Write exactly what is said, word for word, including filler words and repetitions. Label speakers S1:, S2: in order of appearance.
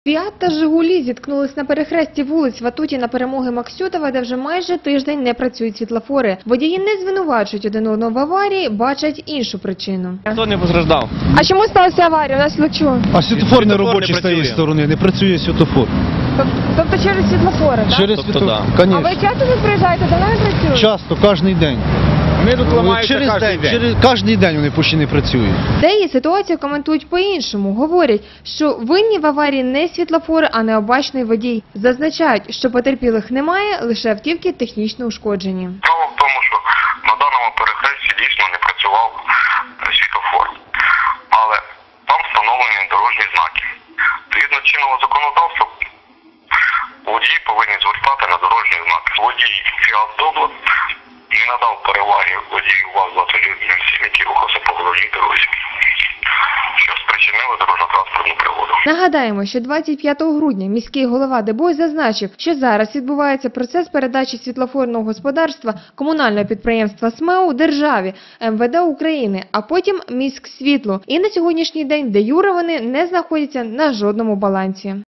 S1: Фіат та Жигулі зіткнулись на перехресті вулиць Ватутіна, Перемоги, Максютова, де вже майже тиждень не працюють світлофори. Водії не звинувачують один одного в аварії, бачать іншу причину.
S2: Хто не постраждав?
S1: А чому сталася аварія? У нас лучу.
S3: А світлофор не робочий
S2: не
S3: з тієї
S2: працює.
S3: сторони, не працює світлофор.
S1: Тобто через світлофори, так?
S3: Через
S2: Тобто,
S3: світлофор,
S2: да.
S3: конечно.
S1: часто тут приїжджаєте, давно не працюють?
S3: Часто, кожен день.
S2: Вони тут ламаються
S3: через
S2: кожен
S3: день,
S2: день.
S3: через кожен день вони почти не працюють.
S1: Деї ситуацію коментують по-іншому. Говорять, що винні в аварії не світлофори, а необачний водій. Зазначають, що потерпілих немає, лише автівки технічно ушкоджені.
S4: Справа в тому, що на даному перехресті дійсно не працював е, світлофор. Але там встановлені дорожні знаки. Згідно чинного законодавства, водії повинні звертати на дорожні знаки. Водій Фіат Добла не надав переваги водію ВАЗ-двадцять сім, який рухався по головній дорозі, що спричинило дорожньо-транспортну пригоду.
S1: Нагадаємо, що двадцять п'ятого грудня міський голова Дебой зазначив, що зараз відбувається процес передачі світлофорного господарства комунального підприємства СМЕУ державі, ем ве де України, а потім Міськсвітлу. І на сьогоднішній день де юре вони не знаходяться на жодному балансі.